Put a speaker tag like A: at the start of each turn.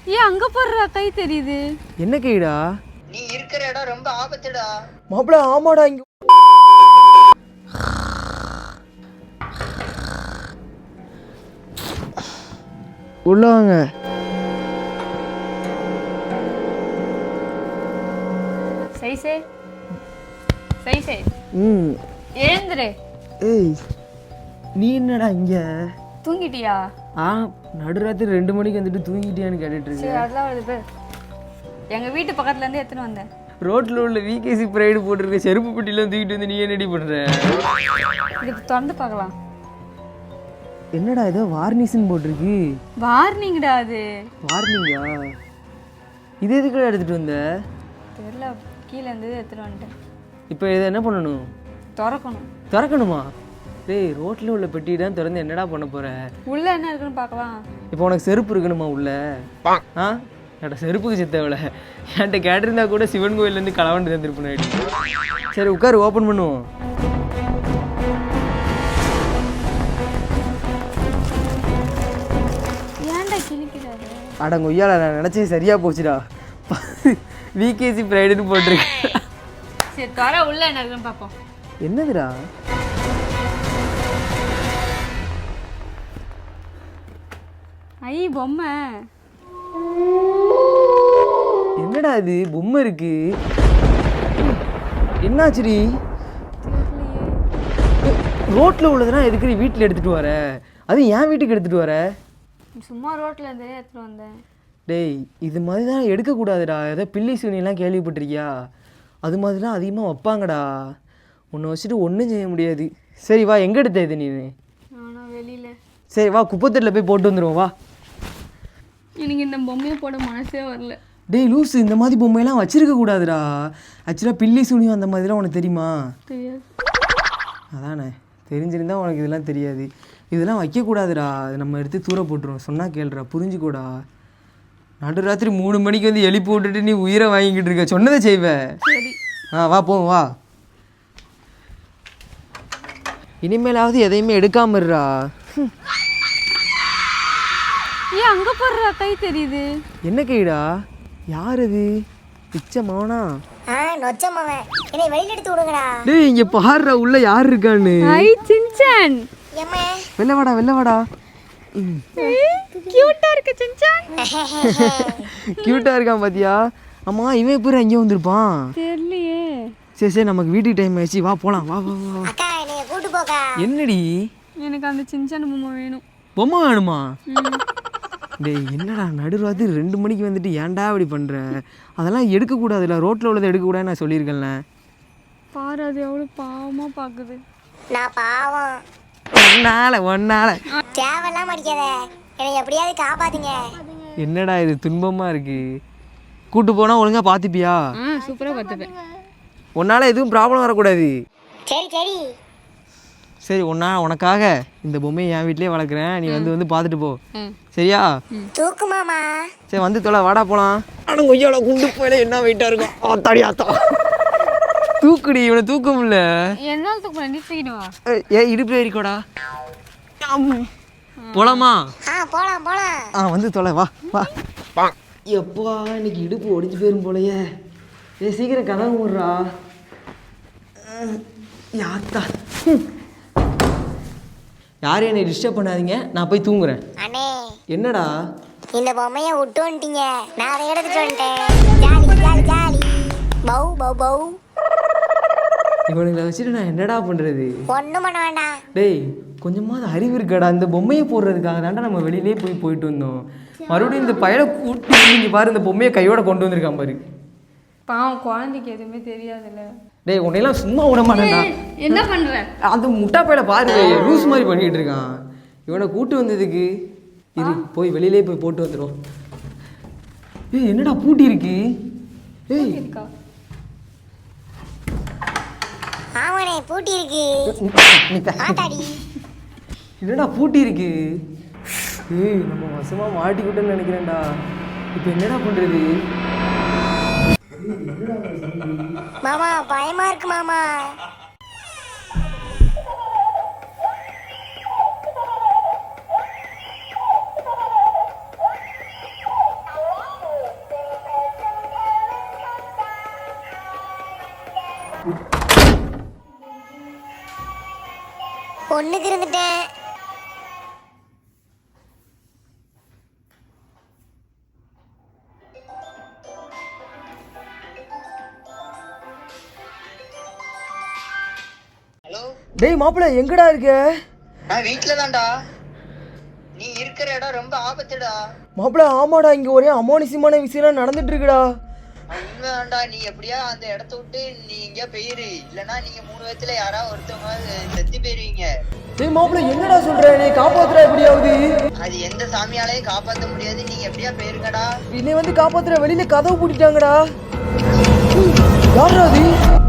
A: ஏன் அங்க போடுறா கை தெரியுது?
B: என்ன கைடா?
C: நீ இருக்கிற இடம் ரொம்ப ஆபத்துடா.
B: மாப்பிள ஆமாடா இங்க உள்ள வாங்க.
A: சைசே சைசே எழுந்துரு.
B: ஏய் நீ என்னடா இங்க?
A: தூங்கிட்டியா?
B: நடுராத்திரி 2 மணிக்கு வந்துட்டு தூங்கிட்டியான்னு கேட்டுட்டு
A: சரி
B: இருக்க.
A: அதெல்லாம் வருது பேர். எங்க வீட்டு பக்கத்துல இருந்து எத்தனை வந்தேன்.
B: ரோட்ல உள்ள விகேசி பிரைடு போட்டிருக்க செருப்பு பெட்டிலாம் தூக்கிட்டு வந்து நீ என்னடி பண்ற?
A: இது திறந்து பார்க்கலாம்.
B: என்னடா ஏதோ வார்னிஷ்னு போட்டிருக்கு.
A: வார்னிங்டா அது.
B: வார்னிங்கா? இது எதுக்குடா எடுத்துட்டு வந்த?
A: தெரியல, கீழே இருந்தது எடுத்துட்டு வந்துட்டேன்.
B: இப்போ இதை என்ன பண்ணணும்?
A: திறக்கணும்.
B: திறக்கணுமா? டேய் ரோட்டில் உள்ள பெட்டி தான் திறந்து என்னடா பண்ண போற?
A: உள்ள என்ன இருக்குன்னு பார்க்கலாம்.
B: இப்போ உனக்கு செருப்பு இருக்கணுமா உள்ள? என்கிட்ட செருப்புக்கு சித்தவளை என்கிட்ட கேட்டிருந்தா கூட சிவன் கோயிலேருந்து களவாண்டு தந்துருப்பேன். சரி உட்காரு, ஓப்பன் பண்ணுவோம்.
A: ஏன்டா கிழிக்கிறாரு?
B: அடங்க ஒய்யால நான் நினச்சி சரியா போச்சுடா. விகேசி பிரைடுன்னு போட்டிருக்கு.
A: சரி தர உள்ள என்ன இருக்குன்னு பார்ப்போம்.
B: என்னதுடா?
A: ஐ பொம்மை.
B: என்னடா இது பொம்மை இருக்கு? என்னாச்சுடி? ரோட்ல உள்ளதுனா எதுக்கு நீ வீட்டில் எடுத்துட்டு வர? அது என் வீட்டுக்கு எடுத்துட்டு வர?
A: சும்மா ரோட்ல இருந்தே எடுத்துட்டு வந்தேன்.
B: டேய் இது மாதிரி தான் எடுக்கக்கூடாதுடா. ஏதோ பில்லி சூனியெல்லாம் கேள்விப்பட்டிருக்கியா? அது மாதிரிலாம் அதிகமாக வைப்பாங்கடா. உன்னை வச்சுட்டு ஒன்றும் செய்ய முடியாது. சரி வா, எங்கே எடுத்த இது நீ?
A: நானும் வெளியில.
B: சரி வா, குப்பத்தட்டில் போய் போட்டு வந்துடுவோம் வா.
A: எனக்கு இந்த பொம்மையை போட மனசே வரல.
B: டேய் லூஸு, இந்த மாதிரி பொம்மையெல்லாம் வச்சிருக்க கூடாதுடா. ஆக்சுவலாக பில்லி சூனியம் அந்த மாதிரிலாம் உனக்கு தெரியுமா?
A: தெரியாது.
B: அதானே, தெரிஞ்சிருந்தா உனக்கு இதெல்லாம் தெரியாது. இதெல்லாம் வைக்கக்கூடாதுடா. அது நம்ம எடுத்து தூர போட்டுருவோம். சொன்னால் கேளுடா, புரிஞ்சுக்கூடா. நடுராத்திரி 3 மணிக்கு வந்து எழுப்பி விட்டுட்டு நீ உயிரை வாங்கிக்கிட்டு இருக்க. சொன்னதை செய்வ. வா போவோம் வா. இனிமேலாவது எதையுமே எடுக்காம இருடா.
A: ஏன் அங்க போடுறா கை தெரியுது?
B: என்ன கைடா? யார் அது? பிச்சை மவனா?
D: நொச்ச மவன். என்னை வெளியில எடுத்து விடுங்கடா.
B: டேய் இங்க பாருடா உள்ள யார் இருக்கான்னு.
A: ஐ சின்சான்.
D: ஏம்மா
B: வெள்ள வாடா வெள்ள வாடா.
A: கியூட்டா இருக்கு சின்சான்.
B: கியூட்டா இருக்கான் பாத்தியா? ஆமா இவன் எப்படி அங்கே வந்திருப்பான்?
A: தெரியலையே.
B: சரி சரி நமக்கு வீட்டுக்கு டைம் ஆயிடுச்சு, வா போலாம். வா வா வா.
D: அக்கா என்னைய கூட்டு போக்கா.
B: என்னடி?
A: எனக்கு அந்த சின்சான் பொம்மை வேணும்.
B: பொம்மை வேணுமா? டேய் என்னடா நடுராத்திரி 2 மணிக்கு வந்துட்டு ஏன்டா இப்படி பண்ற? அதெல்லாம் எடுக்கக்கூடாதுல்ல. ரோட்டில் உள்ளதை எடுக்கக்கூடாது நான் சொல்லியிருக்கேன்ல.
A: பாரு அது எவ்வளோ பாவமா பார்க்குது.
D: நான் பாவம்.
B: ஒன்னால
D: தேவையெல்லாம் அடிக்காத. என்னை எப்படியாவது காப்பாத்துங்க.
B: என்னடா இது துன்பமா இருக்கு. கூட்டு போனா ஒழுங்கா பார்த்துப்பியா?
A: சூப்பராக பார்த்துப்பேன்.
B: உன்னால எதுவும் ப்ராப்ளம் வரக்கூடாது.
D: சரி சரி
B: சரி உனக்காக இந்த பொம்மையை என் வீட்லயே வளர்க்குறேன். நீ வந்து பார்த்துட்டு போ, சரியா?
D: தூக்குமாமா.
B: சரி வந்து தொலை, வாடா போலாம். ஆனால் கொய்யால குண்டு போயில என்ன வெயிட்டா இருக்கும். ஆத்தாடியாத்தா தூக்குடி, இவனை தூக்க முடியல.
A: என்னால் தூக்க நிறுத்திக்கிடுவா.
B: இடுப்பு ஏறிக்கோடா. போலாமா?
D: போலாம் போலாம்.
B: வந்து தொலை, வா வா. எப்பா இன்னைக்கு இடுப்பு ஒடிஞ்சு போயிரும் போலையே. சீக்கிரம் கதவு மூடுறா. யாத்தா யாரும் என்னை டிஸ்டர்ப் பண்ணாதீங்க, நான் போய் தூங்குறேன்.
D: அண்ணே
B: என்னடா?
D: இந்த பொம்மையை விட்டு வந்துட்டீங்க, நான் அதை எடுத்துட்டு வந்துட்டேன். Jolly jolly jolly. பௌ பௌ பௌ.
B: இவனுங்களை வச்சுட்டு நான் என்னடா பண்ணுறது?
D: ஒன்றும் பண்ண வேண்டாம்.
B: டேய் கொஞ்சமாவது அறிவு இருக்காடா. இந்த பொம்மையை போடுறதுக்காக தாண்டா நம்ம வெளியிலே போயிட்டு வந்தோம். மறுபடியும் இந்த பையனை கூட்டி இங்கே பாரு, இந்த பொம்மையை கையோட கொண்டு வந்திருக்கான் பாரு.
A: பாவம் குழந்தைக்கு எதுவுமே தெரியாதுல்ல.
B: டேய் உன்னையெல்லாம் சும்மா விட மாட்டேன்டா.
A: என்ன பண்ற?
B: அந்த முட்டா பையில பாரு, லூஸ் மாதிரி பண்ணிட்டு இருக்கான். இவனை கூட்டு வந்ததுக்கு இரு, போய் வெளியிலே போய் போட்டு வந்துடும். ஏய் என்னடா பூட்டி இருக்கு? ஏய்
A: இருக்கா?
D: ஆமாண்ணே பூட்டி இருக்கு. ஆத்தாடி
B: என்னடா பூட்டி இருக்கு? ஏய் நம்ம வசமா மாட்டிக்கிட்டோன்னு நினைக்கிறேன்டா. இப்போ என்னடா பண்றது?
D: மாமா பயமா இருக்கு மாமா. ஒண்ணுக்கு இருந்துட்டேன்.
C: ஹலோ,
B: டேய் மாப்பிள்ள எங்கடா இருக்க?
C: நான் வீட்டுல தான்டா. நீ இருக்கிற இடம் ரொம்ப ஆபத்துடா.
B: மாப்பிள்ள ஆமாடா, இங்க ஒரே அமானுஷ்யமான விஷயம் நடந்துட்டு இருக்குடா.
C: உண்மைதான்டா. நீ எப்படியா அந்த இடத்த விட்டு நீ எங்கேயா போயிரு, இல்லைன்னா நீங்க 3 பேத்துல யாராவது ஒருத்தவங்க செத்து போயிருவீங்க.
B: டேய் மாப்பிள்ள என்னடா சொல்ற? நீ காப்பாத்துற எப்படியாவது?
C: அது எந்த சாமியாலையும் காப்பாற்ற முடியாது. நீங்க எப்படியா போயிருங்கடா.
B: என்னை வந்து காப்பாத்துற வெளியில கதவு பூட்டிட்டாங்கடா. யாரா அது?